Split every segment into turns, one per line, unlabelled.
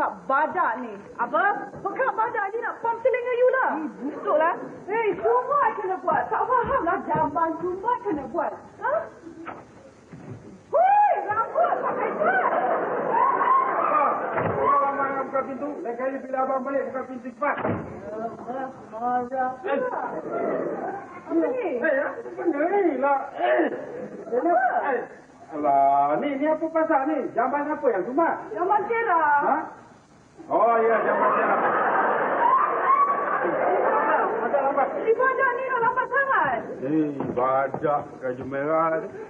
pekak badak ni. Apa? Pekak badak ni nak pump telinga you lah. Busuklah. Hei, Sumbat kena buat. Tak faham lah jamban Sumbat kena buat. Ha? Hui, rambut pakai cat.
Abang yang buka pintu. Lain kali bila abang balik buka pintu cepat.
Marah. Apa ni?
Benda ni lah.
Apa?
Alah, ni apa pasal ni? Jamban apa yang Sumbat?
Jamban cerah.
Ha? Oh ya, jamban cerah. Lambat.
Si badak ni nak lambat sangat.
Badak Raja Merah.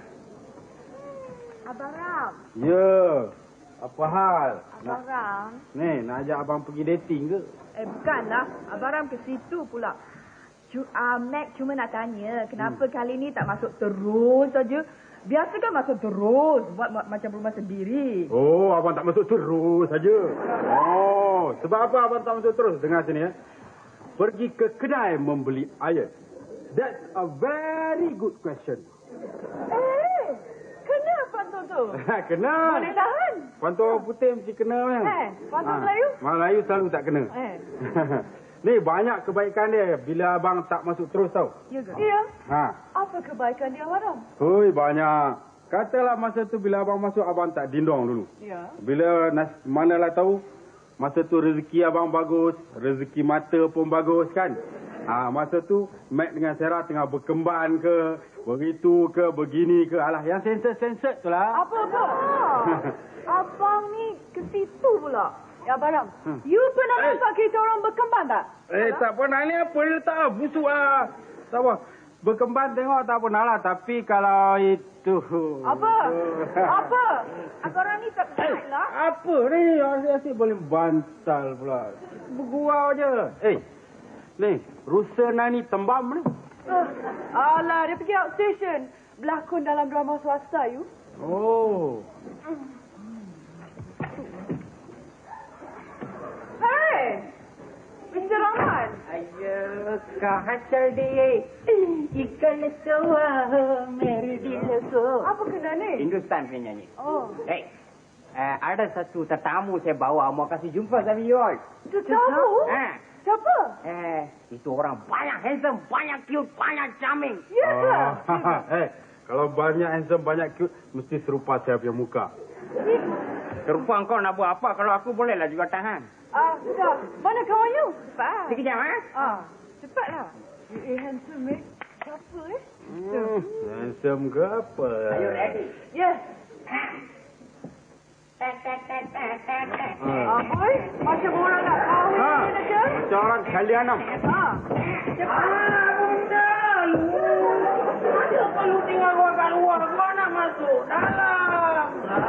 Abang Ram.
Ya. Apa hal?
Abang Ram.
Ni, nak ajak abang pergi dating ke?
Bukanlah. Abang Ram ke situ pula. Mac cuma nak tanya, kenapa kali ni tak masuk terus saja? Biasa kan masuk terus, buat macam rumah sendiri.
Oh, abang tak masuk terus saja. Oh, sebab apa abang tak masuk terus? Dengar sini ya. Pergi ke kedai membeli air. That's a very good question.
Kena pantun tu?
Kena.
Boleh tahan?
Pantun orang putih mesti kena kan?
Pantun Melayu?
Melayu selalu tak kena. Ni banyak kebaikan dia bila abang tak masuk terus tau.
Ya ke? Ya.
Ha.
Apa kebaikan dia, Abang Ram?
Hui, banyak. Katalah masa tu bila abang masuk, abang tak dindong dulu.
Ya.
Bila manalah tahu, masa tu rezeki abang bagus, rezeki mata pun bagus kan. Masa tu Mac dengan Sarah tengah berkembang ke, begitu ke, begini ke. Alah, yang sensor-sensor tu lah.
Apa? Abang ni ke situ pula. Ya, Abang Ram, you pernah nampak kita orang berkembang tak?
Tak pernah ni apa dia tak busuk lah. Tak apa. Berkembang tengok tak pernah lah. Tapi kalau itu...
Apa? Abang Ram ni tak baik lah.
Apa ni? Asyik boleh bantal pula. Bergurau je. Ni, Rusa Nani Tembam ni.
Alah, dia pergi outstation. Berlakon dalam drama swasta, you.
Oh.
Hey! Mr. Rahman.
Ayo, kau hasil dia. Ikan letua, meri di lesu.
Apa kena ni?
Hindustan punya nyanyi.
Oh.
Ada satu tetamu saya bawa. Mau kasih jumpa sama you all.
Tetamu? Siapa?
Itu orang banyak handsome, banyak cute, banyak charming.
Ya ke?
Kalau banyak handsome, banyak cute, mesti serupa saya punya muka.
Serupa kau nak buat apa? Kalau aku bolehlah juga tahan.
Sudah. Mana kawan you? Cepat.
Sekejap,
Cepatlah. Handsome, eh? Siapa,
Handsome ke apa?
Are you ready?
Yes. Boy, macam orang nak kahwin aja.
Macam orang kalianam.
Bunda, kenapa lu tinggal gua kat luar? Gua nak masuk dalam.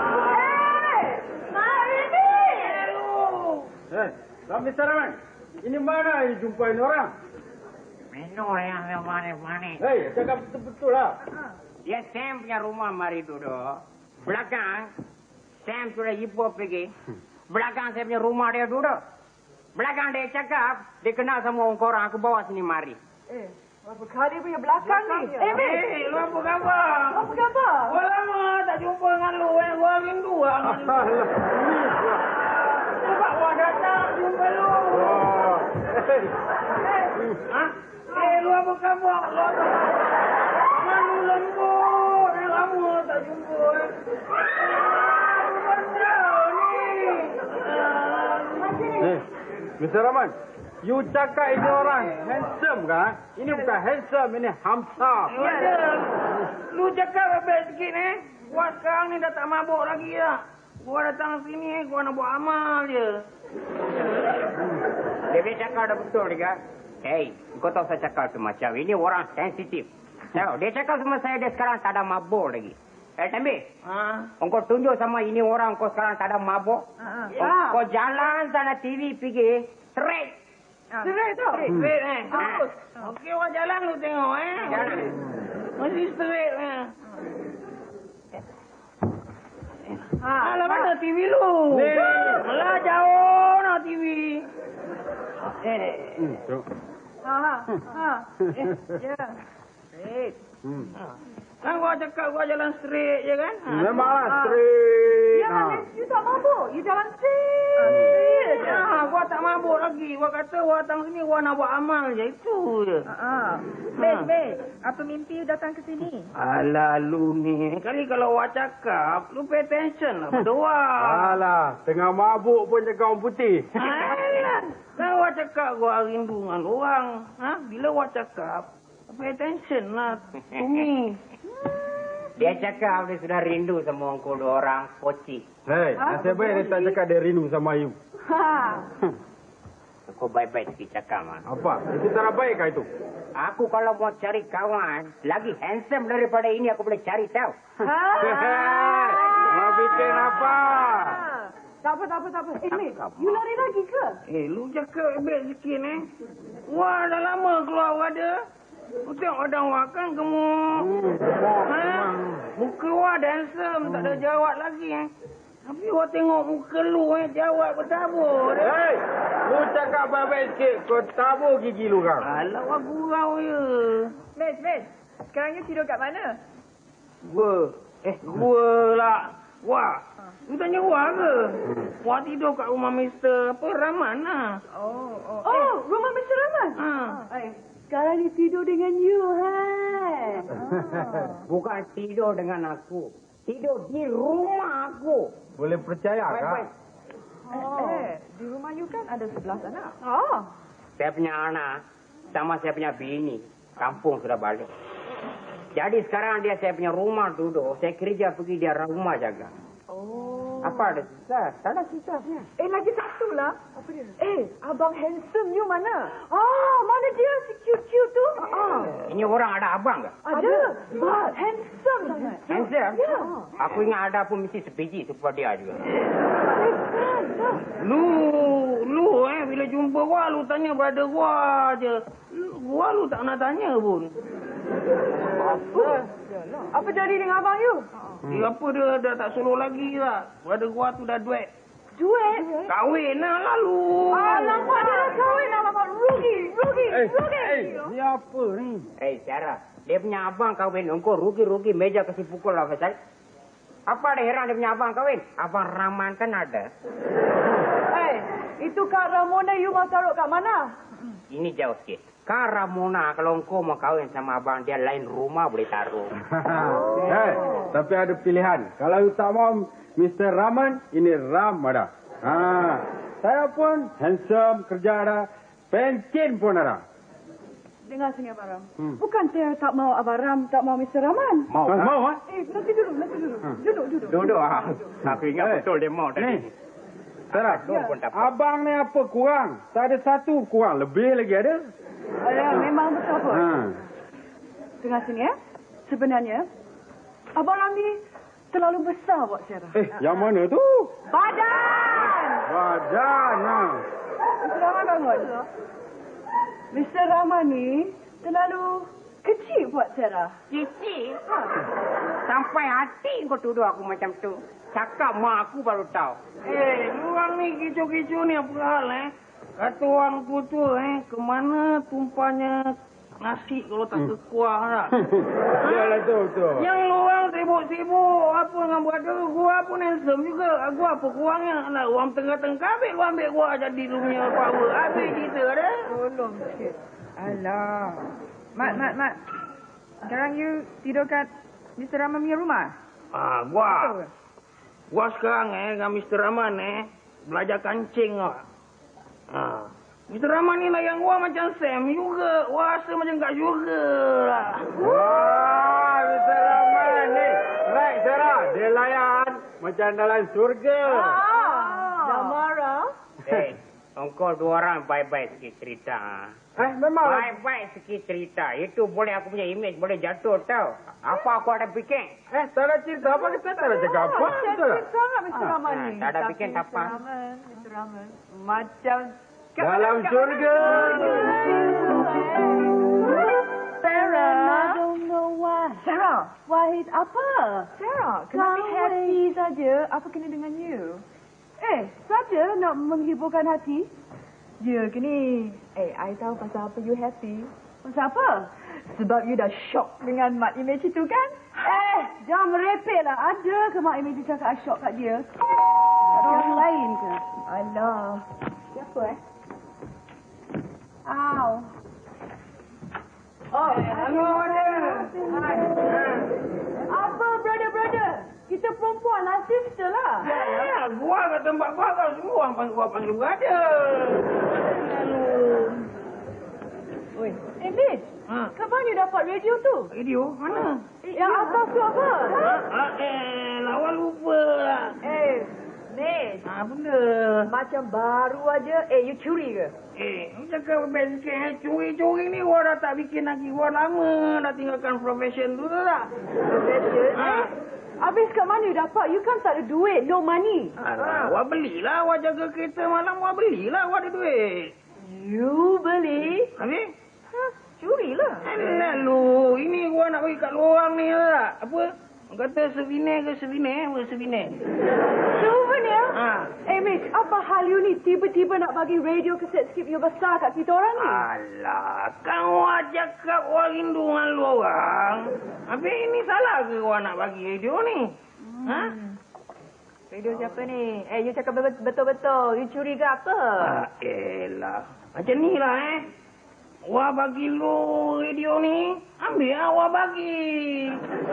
Mari ni.
Mr. Rahman, ini mana ini jumpain orang?
Minum yang manis-manis.
Cakap betul-betul lah.
Ya, Sam punya rumah mari duduk. Belakang, Sam sudah ibu pergi. Belakang saya punya rumah dia duduk. Belakang dia cakap, dia kenal sama orang korang. Aku bawa sini mari.
Berapa kali punya belakang ni?
Lu apa khabar?
Apa khabar?
Gua lama tak jumpa dengan lu. Gua rindu lah. Sebab gua datang jumpa lu. Lu apa khabar? Tangan lu lembut. Lama tak jumpa.
Mr. Rahman, you cakap ini orang handsome kan? Ini bukan handsome, ini hamsam.
Lu cakap lebih sikit Gua sekarang ni dah tak mabuk lagi lah. Gua datang sini, gua nak buat amal je. Dia cakap dah betul juga. Kau tahu saya cakap tu macam ini orang sensitif. Dia cakap sama saya dia sekarang tak ada mabuk lagi. Tembi. Engkau tunjuk sama ini orang kau sekarang tak ada mabuk. Kau jalan sana TV pergi straight.
Straight tu?
Straight Okey, orang jalan lu tengok Jalan. Masih straight Alah, mana TV lu? Alah, jauh nak TV.
Ya. Straight.
Kan gua cakap gua jalan straight je kan?
Memanglah straight.
Ya, Manis, you tak mabuk. You jalan straight.
Gua tak mabuk lagi. Gua kata gua datang sini gua nak buat amal je. Itu je.
Manis, apa mimpi you datang ke sini?
Alah lu ni. Kali kalau gua cakap, lu pay attention lah pada gua.
Alah, tengah mabuk pun cakap orang putih.
Alah. Kan gua cakap gua rindu dengan orang. Bila gua cakap, pay attention lah to me.
Dia cakap dia sudah rindu sama engkau dua orang poci.
Hei, nasib baik dia tak cakap dia rindu sama you.
Kau baik-baik sikit cakap, man.
Apa? Itu tak baik kah itu?
Aku kalau mau cari kawan, lagi handsome daripada ini aku boleh cari tahu.
Mau bikin apa?
Tak apa. Manis, you lari lagi ke?
Lu cakap baik sikit Wah, dah lama keluar ada. Lu tengok badan wak kan gemuk. Muka wak handsome, tak ada jawab lagi Tapi wak tengok muka lu jawab bertabur.
Hei, lu cakap baik-baik sikit. Kau tabur gigi lu kan?
Alah, wak gurau je.
Manis, sekarang you tidur kat mana?
Gua lah. Wak, lu tanya wak ke? Wak tidur kat rumah Mr. Rahman lah.
Oh, rumah Mr. Rahman?
Sekarang dia tidur dengan you,
Bukan tidur dengan aku. Tidur di rumah aku.
Boleh percaya
Baik-baik.
kah?
Di rumah you kan ada 11 anak.
Saya punya anak sama saya punya bini. Kampung sudah balik. Jadi sekarang dia saya punya rumah duduk. Saya kerja pergi dia rumah jaga. Apa ada susah? Tak ada susahnya.
Lagi satu lah. Apa dia? Abang handsome you mana? Mana dia si cute-cute tu?
Ini orang ada abang ke?
Ada. Handsome sangat.
Handsome?
Ya.
Aku ingat ada pun mesti sebiji seperti dia juga.
Lu bila jumpa gua lu tanya brother gua je. Lu tak nak tanya pun.
Apa jadi dengan abang you?
Apa dia dah tak solo lagi lah. Brother gua tu dah duet.
Duet?
Kahwin lah lalu.
Alamak, dia dah kahwin. Alamak, rugi.
Ni apa ni?
Sarah, dia punya abang kahwin. Engkau rugi-rugi meja kasih pukul lah, Faisal. Apa ada heran dia punya abang kahwin? Abang Rahman kan ada.
Itu Kak Ramona you mau taruh kat mana?
Ini jauh sikit. Kak Ramona, kalau engkau mau kahwin sama abang, dia lain rumah boleh taruh.
Hei, tapi ada pilihan. Kalau you tak mau Mr. Rahman, ini Ram ada. Saya pun handsome, kerja ada, pencin pun ada.
Dengar sini Abang Ram. Bukan saya tak mau Abang Ram, tak mau Mr. Rahman.
Mau kan? Mau
Nanti duduk. Duduk.
Duduk. Aku ingat betul dia mau tadi.
Sarah, abang ni apa kurang? Tak ada satu kurang, lebih lagi ada.
Memang betul pun. Dengar sini Sebenarnya, Abang Ram ni terlalu besar buat Sarah.
Yang mana tu?
Badan. Mr. Rahman bangun. Mr. Rahman ni terlalu kecil buat Sarah.
Cici? Sampai hati kau tuduh aku macam tu. Cakap mak aku baru tahu.
Orang ni kecoh-kecoh ni apa hal Kata orang tu kemana tumpahnya nasi kalau tak kekuah tak?
Yalah betul.
Yang lu orang sibuk-sibuk apa dengan brother gua pun handsome juga. Gua apa kurangnya? Nak orang tengah-tengah ambil gua ambil gua jadi lu punya power. Habis cerita dah.
Tolong sikit. Alah. Mat. Sekarang you tidur kat Mr. Rahman punya rumah?
Gua sekarang dengan Mr. Rahman belajar kancing Mr. Rahman ni layan gua macam Sam juga. Gua rasa macam tak juga lah.
Wah, Mr. Rahman ni. Right, Sarah. Dia layan macam dalam surga.
Dah marah?
Engkau dua orang baik-baik sikit cerita.
Memang.
Baik-baik sikit cerita. Itu boleh aku punya image boleh jatuh tau. Apa aku ada fikir?
Tak ada cerita apa kita tak ada cakap apa.
Sangat Mr. Rahman ni.
Tak ada fikir apa.
Mr. Rahman. Macam
Dalam surga.
Sarah.
I don't know why.
Sarah.
Why apa?
Sarah, kenapa
Kahwin.
happy saja? Apa kena dengan you?
Saja nak menghiburkan hati.
Ya ke ni? I tahu pasal apa you happy.
Pasal apa?
Sebab you dah shock dengan mak image itu kan?
Jangan merepek lah. Ada ke mak Amy tu cakap I shock kat dia? Ada orang lain ke?
Alah.
Siapa Aw.
Hello, ada.
Apa, brother? Kita perempuan lah, sister lah.
Gua kat tempat gua kau semua orang panggil gua ada.
Oi, Mitch. Kat mana you dapat radio tu?
Radio? Mana?
Yang atas tu apa?
Lawan lupa lah.
Mitch.
Benda.
Macam baru aja. You curi ke?
Lu cakap best sikit. Curi-curi ni gua dah tak bikin lagi. Gua lama dah tinggalkan profession tu tak?
Profession?
Habis kat mana you dapat? You kan tak ada duit, no money.
Alah, gua belilah. Gua jaga kereta malam. Gua belilah. Gua ada duit.
You beli?
Habis?
Curi lah.
Alah lu. Ini gua nak bagi kat lu orang ni tak? Apa? Orang kata souvenir ke souvenir? Apa souvenir?
Souvenir? Mitch, apa hal you ni? Tiba-tiba nak bagi radio kaset skip you besar kat kita orang ni?
Alah, kau cakap gua rindu dengan lu orang. Habis ini salah ke gua nak bagi radio ni?
Radio siapa ni? You cakap betul-betul. You curi ke apa?
Elah. Macam ni lah Gua bagi lu radio ni. Ambil lah gua bagi.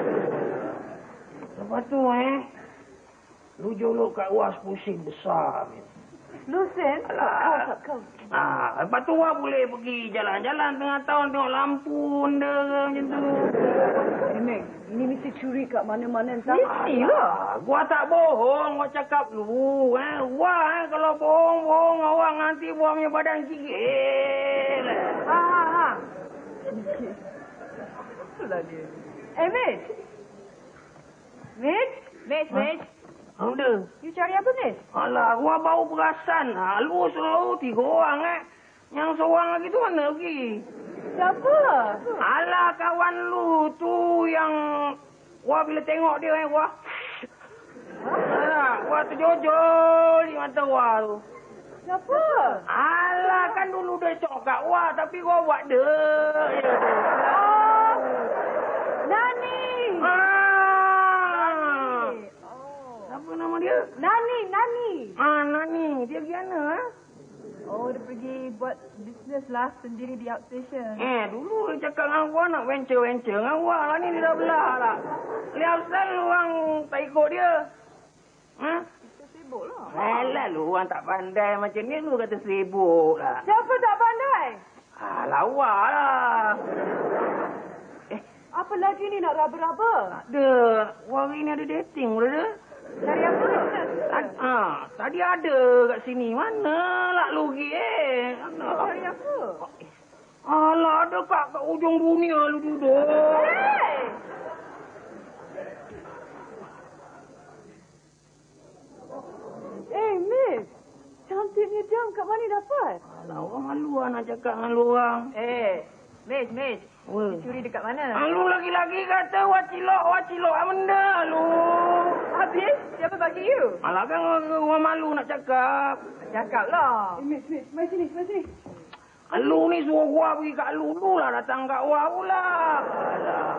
Lepas tu lu jolok kat gua 10 sen besar.
Lucen? Kau.
Lepas tu gua boleh pergi jalan-jalan tengah tahun tengok lampu benda ke macam tu.
Mek, ini mesti curi kat mana-mana entah.
Mestilah.
Gua tak bohong, gua cakap lu. Gua kalau bohong orang nanti buang punya badan gigil.
Itulah dia. Mitch.
Ada.
You cari apa, Mitch?
Alah, gua bau perasan. Lu selalu 3 orang Yang seorang lagi tu mana pergi?
Siapa?
Alah, kawan lu tu yang gua bila tengok dia gua. Alah, gua terjojol di mata gua tu.
Siapa?
Alah, kan dulu dia cok kat gua tapi gua buat dia.
Nani!
Apa nama dia?
Nani.
Nani. Dia pergi mana?
Dia pergi buat bisnes lah sendiri di outstation.
Dulu dia cakap dengan gua nak venture dengan gua. Lah ni dia dah belah lah. Lihat selalu orang tak ikut dia.
Kita sibuk lah.
Alah, lu orang tak pandai macam ni lu kata sibuk lah.
Siapa tak pandai?
Lawa lah.
Apa lagi ni nak raba-raba?
Ada. Gua hari ni ada dating pula dia.
Cari apa?
Tadi ada kat sini. Mana lah lu pergi
Cari apa?
Alah, ada kat ujung dunia lu duduk.
Miss. Cantiknya jam kat mana dapat?
Alah, orang malu lah nak cakap dengan lu orang.
Mitch. You curi dekat mana?
Lu lagi-lagi kata wacilok benda lu.
Habis? Siapa bagi you?
Alah, kan orang malu nak cakap.
Cakap lah.
Miss, mari sini.
Lu ni suruh gua pergi kat lu lah datang kat gua pula. Alah.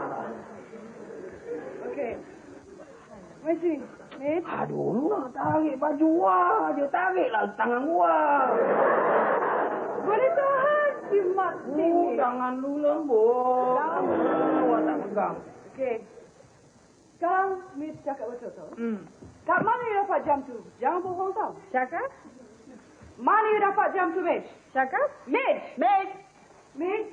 Okey. Mari sini. Miss.
Aduh, lu nak tarik baju gua. Dia tariklah tangan gua.
Boleh tahan. Jimat sini.
Tangan lu lembut. Gua tak pegang.
Okey. Sekarang Miss cakap betul tau. Kat mana you dapat jam tu? Jangan bohong tau.
Cakap?
Mana you dapat jam tu, Miss?
Cakap?
Miss! Miss,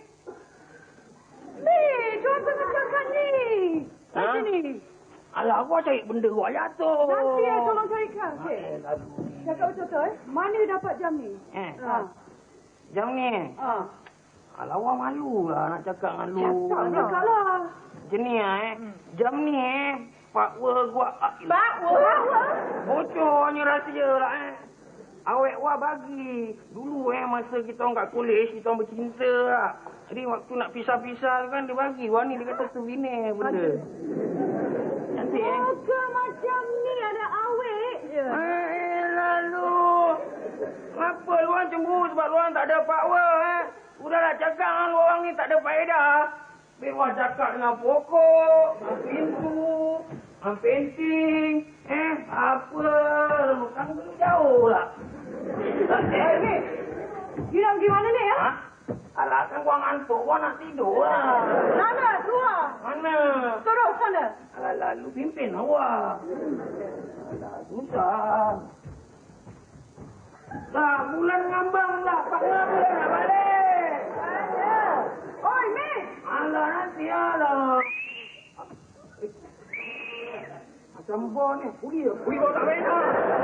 orang tengah cakap ni. Mari sini.
Alah, gua cari benda gua jatuh.
Nanti tolong carikan. Okey. Cakap betul Mana you dapat jam ni?
Jam ni. Alah, gua malu lah nak cakap dengan lu.
Cakap lah.
Macam ni Jam ni Pak gua.
Pak Wah.
Bocornya rahsia lah Awek gua bagi. Dulu masa kita orang kat kolej, kita orang bercinta lah. Jadi waktu nak pisah-pisah kan dia bagi. Wah ni dia kata souvenir benda. Cantik
Moga macam ni ada awek je.
Lalu. Kenapa lu orang cemburu sebab lu orang tak ada power Udahlah cakap dengan lu orang ni tak ada faedah. Wah cakap dengan pokok, dengan pintu, dengan painting. Apa? Kan belum jauh lah.
Ni, you nak pergi mana ni, ya?
Ha? Alah, kan gua ngantuk. Gua nak tidur lah.
Sana, keluar.
Mana?
Terus sana.
Alah, lu pimpin awak. Alah, susah. Lah, bulan ngambang lah. Pak Ngabul nak balik.
Ada. Oi, Miss.
Alah, nanti alah. Macam bau ni. Ui bau tak enak.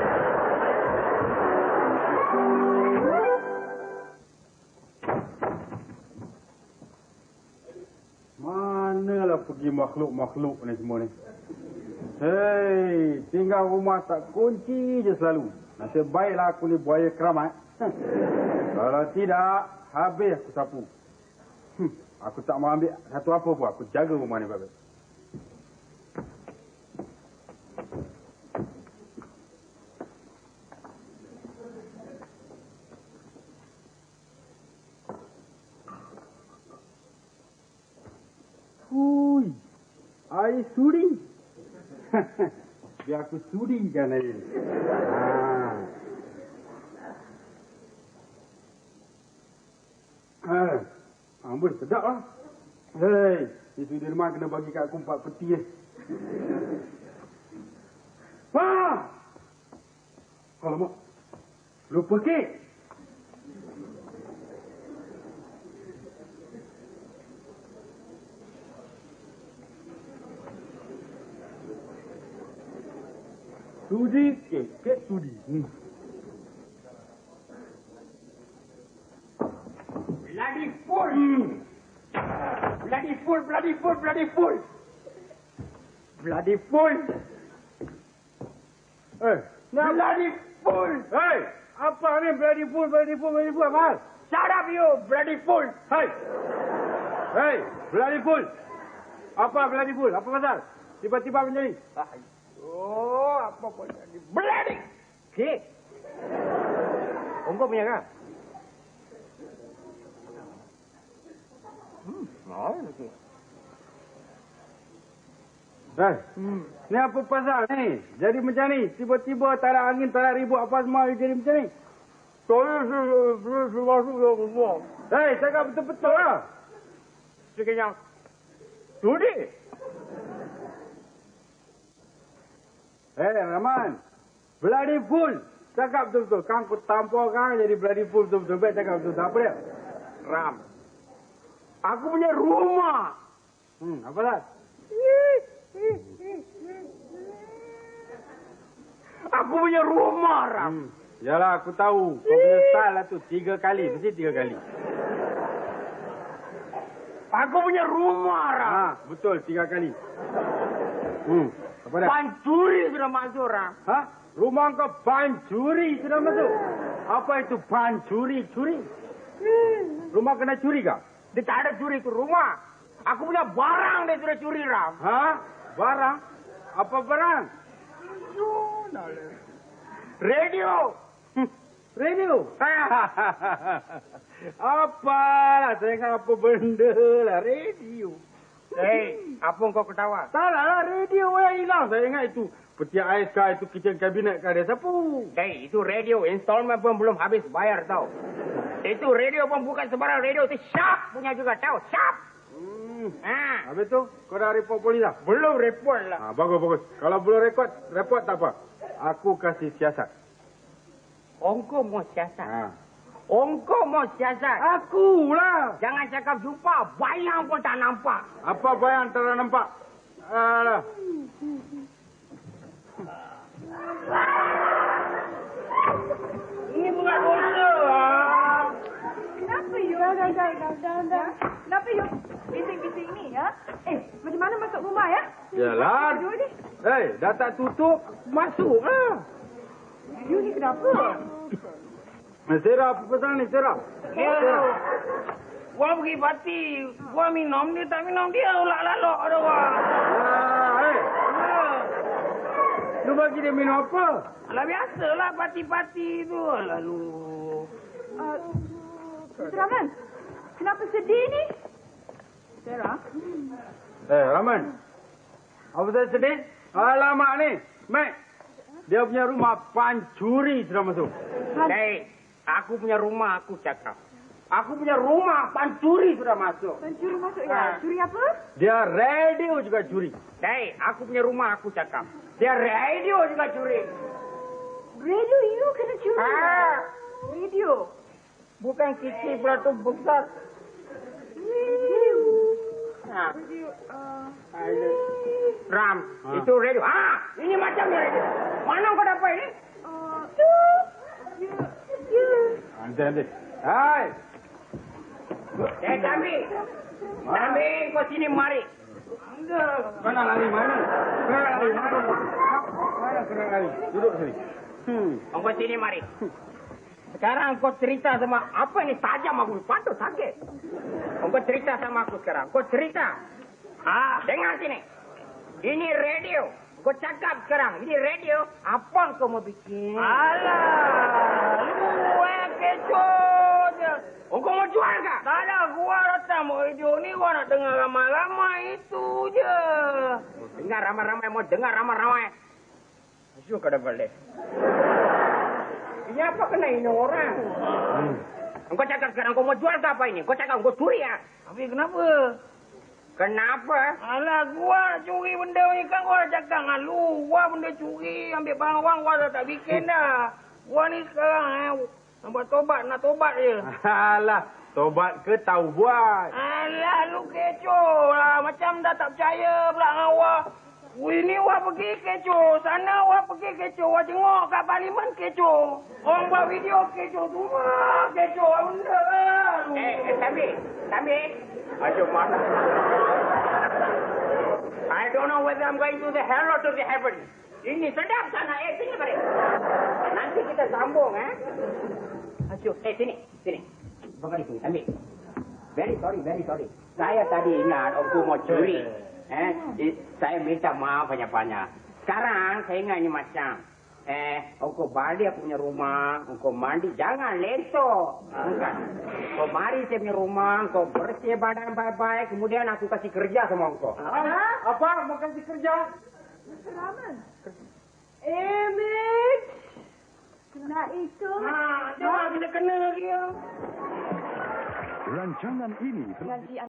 Manalah pergi makhluk-makhluk ni semua ni. Hei, tinggal rumah tak kunci je selalu. Nasib baiklah aku ni buaya keramat. Kalau tidak, habis aku sapu. Aku tak mau ambil satu apa pun. Aku jaga rumah ni baik-baik. Hui, air suri. Biar aku surikan air. Ambul, sedap lah. Hei, itu di rumah kena bagi kat aku 4 peti. Alamak, lupa kek. Sudi, kek sudi.
Bloody fool! Bloody fool, bloody fool, bloody fool! Bloody fool! Bloody fool!
Hei, apa ni bloody fool, Amal?
Shut up you, bloody fool!
Hei, bloody fool. Apa bloody fool? Apa pasal? Tiba-tiba macam ni.
Oh, apa pun jadi bloody! Kek! Ongkau punya kan?
Ni apa pasal ni? Jadi macam ni. Tiba-tiba tak ada angin, tak ada ribut apa semua jadi macam ni. Hei, cakap betul-betul lah.
Sekejap. Sudi!
Hei, Rahman. Bloody fool. Cakap betul-betul. Kan aku tampar kan jadi bloody fool betul-betul. Baik cakap betul-betul. Apa dia?
Ram. Aku punya rumah.
Apa dah?
Aku punya rumah, Ram.
Yalah, aku tahu. Kau punya style lah tu. 3 kali. Mesti 3 kali.
Aku punya rumah, Ram.
Betul. 3 kali. Apa dah?
Pancuri sudah masuk, Ram.
Rumah kau pancuri sudah masuk. Apa itu pancuri? Curi? Rumah kena curi kah?
Dia tak ada curi itu rumah. Aku punya barang dia sudah curi, Ram.
Barang? Apa barang?
Radio.
Radio? Apalah, saya ingat apa benda lah. Radio.
Hei, apa kau ketawa?
Tak lah, radio yang hilang. Saya ingat itu peti ais kah, itu kitchen kabinet kah, dia sapu.
Hei, itu radio. Installment pun belum habis bayar, tau. Itu radio pun bukan sembarang radio. Itu Sharp punya juga, tahu? Sharp.
Habis tu, kau dah report polis lah?
Belum report lah.
Bagus. Kalau belum report tak apa. Aku kasih siasat.
Ongkau mau siasat? Ongkau mau siasat?
Akulah.
Jangan cakap jumpa. Bayang pun tak nampak.
Apa bayang tak nampak? Alah.
Ini bukan dosa.
Kenapa you? Dah. Kenapa you bising-bising ni, ya? Macam mana masuk rumah, ya?
Yalah. Hei, dah tak tutup, masuklah.
You ni kenapa?
Serah, apa pasal ni, Serah?
Gua pergi parti. Gua minum, dia tak minum. Dia ulak-lalok ada gua.
Lu bagi dia minum apa?
Alah, biasalah parti-parti tu. Lalu.
Mr. Rahman, kenapa sedih ni?
Sarah?
Raman. Apa saya sedih? Alamak ni. Mac. Dia punya rumah pancuri sudah masuk.
Hei, aku punya rumah aku cakap. Aku punya rumah pancuri sudah masuk.
Pencuri masuk ya? Curi apa?
Dia radio juga curi.
Hei, aku punya rumah aku cakap. Dia radio juga curi.
Radio you kena curi. Radio.
Bukan kecil pula tu besar.
Radio.
Ha.
Radio.
Ram, itu radio. Ini macam ni radio. Mana kau dapat ini?
Nanti. Hai.
Jambi. Jambi, kau sini mari.
Mana lari mana? Mana kena lari? Duduk sini.
Kau sini mari. Sekarang kau cerita sama apa ini tajam aku patut sakit. Kau cerita sama aku sekarang. Kau cerita. Dengar sini. Ini radio. Kau cakap sekarang. Ini radio. Apa kau mau bikin?
Alah, lu kecoh je.
Kau mau jual kah?
Tak ada, gua datang mau radio ni, gua nak dengar ramai-ramai itu je.
Dengar ramai-ramai, mau dengar ramai-ramai. Asyik kau dah balik. Ini apa kena ini orang? Kau cakap sekarang, kau mau jual ke apa ini? Kau cakap, kau curi ya?
Tapi kenapa?
Kenapa?
Alah, gua curi benda ni kan gua dah cakap dengan lu. Gua benda curi, ambil barang orang, gua dah tak bikin dah. Gua ni sekarang nak buat tobat, nak tobat je.
Alah, tobat ke tahu buat?
Alah, lu kecoh lah. Macam dah tak percaya pula dengan gua. Ini wah pergi kecoh. Sana wah pergi kecoh. Wah tengok kat parlimen kecoh. Orang buat video kecoh. Semua kecoh. Benda lah.
Tambi. Aduh, mana? I don't know whether I'm going to the hell or to the heaven. Ini sedap sana. Sini balik. Nanti kita sambung, Asyik. Sini. Bagaimana itu, Tambi? Very sorry. Saya tadi ingat aku mau curi. Saya minta maaf banyak-banyak. Sekarang saya ingat ini macam. Engkau balik aku punya rumah, engkau mandi, jangan leso. Bukan. Kau mari saya punya rumah, kau bersih badan baik-baik, kemudian aku kasih kerja sama engkau.
Apa? Mau kasih kerja?
Raman. Mitch. Kena itu.
Jangan kita kena lagi.
Rancangan ini
Nanti